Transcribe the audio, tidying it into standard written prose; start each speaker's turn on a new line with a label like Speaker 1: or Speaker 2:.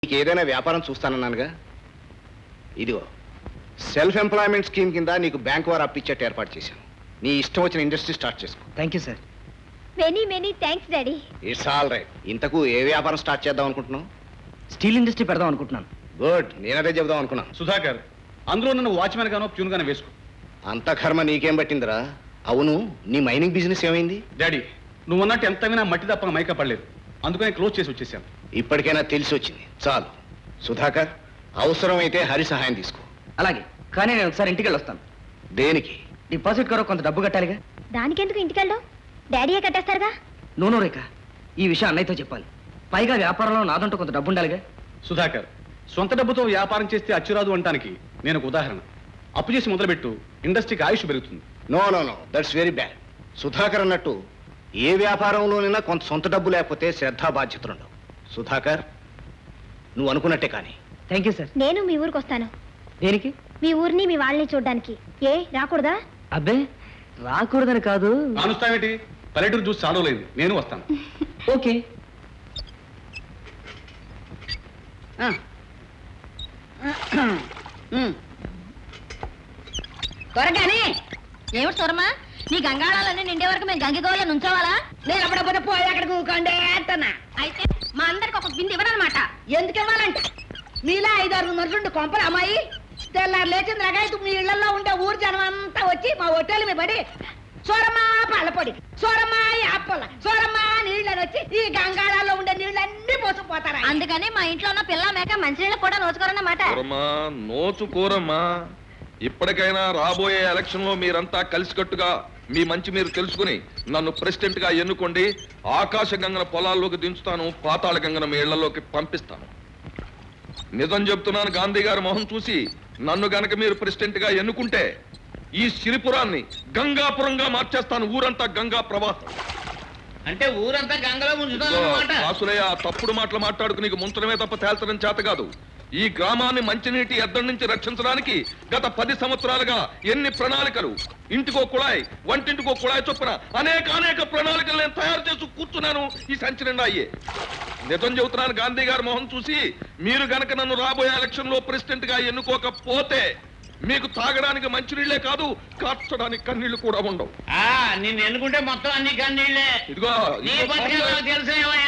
Speaker 1: నీకు ఏదైనా వ్యాపారం చూస్తానన్నానుగా, ఇదిగో సెల్ఫ్ ఎంప్లాయ్మెంట్ స్కీమ్ కింద నీకు బ్యాంక్ వారు అప్పిచ్చేట్టు ఏర్పాటు చేశాను. నీ ఇష్టం వచ్చిన ఇండస్ట్రీ స్టార్ట్ చేసుకో.
Speaker 2: Thank you sir.
Speaker 3: Many thanks daddy.
Speaker 1: It's all right. ఇంతకు ఏ వ్యాపారం స్టార్ట్ చేద్దాం అనుకుంటున్నావు?
Speaker 2: స్టీల్ ఇండస్ట్రీ పెడదాం అనుకుంటున్నాను.
Speaker 1: గుడ్, నేనదే చెబుదాం అనుకున్నాను.
Speaker 4: సుధాకర్, అందులో నన్ను వాచ్మెన్ గానో ప్యూన్ గానో వేసుకో.
Speaker 1: అంత కర్మ నీకేం పట్టిందిరా? అవును, నీ మైనింగ్ బిజినెస్ ఏమైంది?
Speaker 4: డాడీ, నువ్వు అన్నట్టు ఎంత వినా మట్టి తప్ప మైక పడలేదు, అందుకని క్లోజ్ చేసి వచ్చేసాను.
Speaker 1: ఇప్పటికైనా తెలిసి వచ్చింది, చాలు. సుధాకర్, అవసరమైతే హరి సహాయం తీసుకో.
Speaker 2: అలాగే, కానీ నేను ఒకసారి ఇంటికి వెళ్ళొస్తాను.
Speaker 1: దేనికి?
Speaker 2: డిపాజిట్ కొరకు కొంత డబ్బు కట్టాలిగా.
Speaker 3: దానికెందుకు ఇంటికెళ్ళావు? డాడీయే కట్టేస్తారుగా.
Speaker 2: నూనె రేఖ, ఈ విషయం అన్నయ్యతో చెప్పాలి. పైగా వ్యాపారంలో నాదంటూ కొంత డబ్బు ఉండాలిగా.
Speaker 4: సుధాకర్, సొంత డబ్బుతో వ్యాపారం చేస్తే అచ్చురాదు అంటానికి నేను ఒక ఉదాహరణ. అప్పు చేసి మొదలుపెట్టు, ఇండస్ట్రీకి ఆయుష్ పెరుగుతుంది.
Speaker 1: No no no, that's very bad. Sudhakar అన్నట్టు ఏ వ్యాపారంలోనైనా కొంత సొంత డబ్బు లేకపోతే శ్రద్ధా బాధ్యతలు ఉండవు. సుధాకర్, నువ్వు అనుకున్నట్టే కానీ.
Speaker 2: Thank you sir.
Speaker 3: నేను మీ ఊరికి వస్తాను.
Speaker 2: దేనికి?
Speaker 3: మీ ఊరిని మీ వాళ్ళని చూడడానికి. ఏ రాకూడదా?
Speaker 2: అబ్బే, రాకూడదని కాదు.
Speaker 4: కానుస్తావేటి? పల్లెటూరు చూసి చాలలేదు, నేను వస్తాను.
Speaker 2: ఓకే.
Speaker 5: త్వరగానే ఏమిటి సూరమ్మా, నీ గంగాళాలన్నీ నిండే వరకు మేము గంగిగోళ్ళ నుంచోవాలా? నేను అప్పుడప్పుడు పోయి అక్కడికి ఊకండే అంటనా? అయితే మా అందరికి ఒక బింది ఇవ్వనమాట. ఎందుకు ఇవ్వాలంట? మీలా 5-6 మనుషులు కొంపలు అమ్మాయి తెల్లారు లేచింది రకాయతు మీ ఇళ్లలో ఉండే ఊరు జనం అంతా వచ్చి మా హోటల్ మీద పడి సూరమ్మా పళ్ళపొడి, సూరమ్మా యాపల, సూరమ్మా నీళ్ళని వచ్చి ఈ గంగాళాల్లో ఉండే నీళ్ళన్నీ పోసుకుపోతారా? అందుకని మా ఇంట్లో ఉన్న పిల్ల మేక మంచినీళ్ళు కూడా నోచుకోరన్నమాట.
Speaker 6: నోచుకోరమ్మా. ఇప్పటికైనా రాబోయే ఎలక్షన్ లో మీరంతా కలిసికట్టుగా మీ మంచి మీరు తెలుసుకుని నన్ను ప్రెసిడెంట్ గా ఎన్నుకోండి. ఆకాశ గంగన పొలాల్లోకి దించుతాను, పాతాళ గంగన మీ ఇళ్లలోకి పంపిస్తాను. నిజం చెప్తున్నాను, గాంధీ గారి మొహం చూసి నన్ను గనక మీరు ప్రెసిడెంట్ గా ఎన్నుకుంటే ఈ సిరిపురాన్ని గంగాపురంగా మార్చేస్తాను. ఊరంతా గంగా ప్రవాహం.
Speaker 7: అంటే ఊరంతా గంగలో ముంచుతానన్నమాట.
Speaker 6: రాసులయ్య, తప్పుడు మాటలు మాట్లాడుకు నీకు ముంచడమే తప్ప తేల్చడం చేత కాదు. ఈ గ్రామాన్ని మంచినీటి ఎద్దడి నుంచి రక్షించడానికి గత 10 సంవత్సరాలుగా ఎన్ని ప్రణాళికలు, ఇంటికో కుళాయి, వంటింటికో కుళాయి చొప్పున అనేక ప్రణాళికలు నేను తయారు చేసి కూర్చున్నాను. ఈ సంచి నిండా అయ్యే. నిజం చెబుతున్నాను, గాంధీ గారి మొహం చూసి మీరు గనక నన్ను రాబోయే ఎలక్షన్ లో ప్రెసిడెంట్ గా ఎన్నుకోకపోతే మీకు తాగడానికి మంచినీళ్లే కాదు, కార్చడానికి కన్నీళ్లు కూడా ఉండవు.
Speaker 7: నిన్ను ఎన్నుకుంటే మొత్తం అన్ని కన్నీళ్లే.
Speaker 6: ఇదిగో
Speaker 7: నీ బతికే నాకు తెలుసు.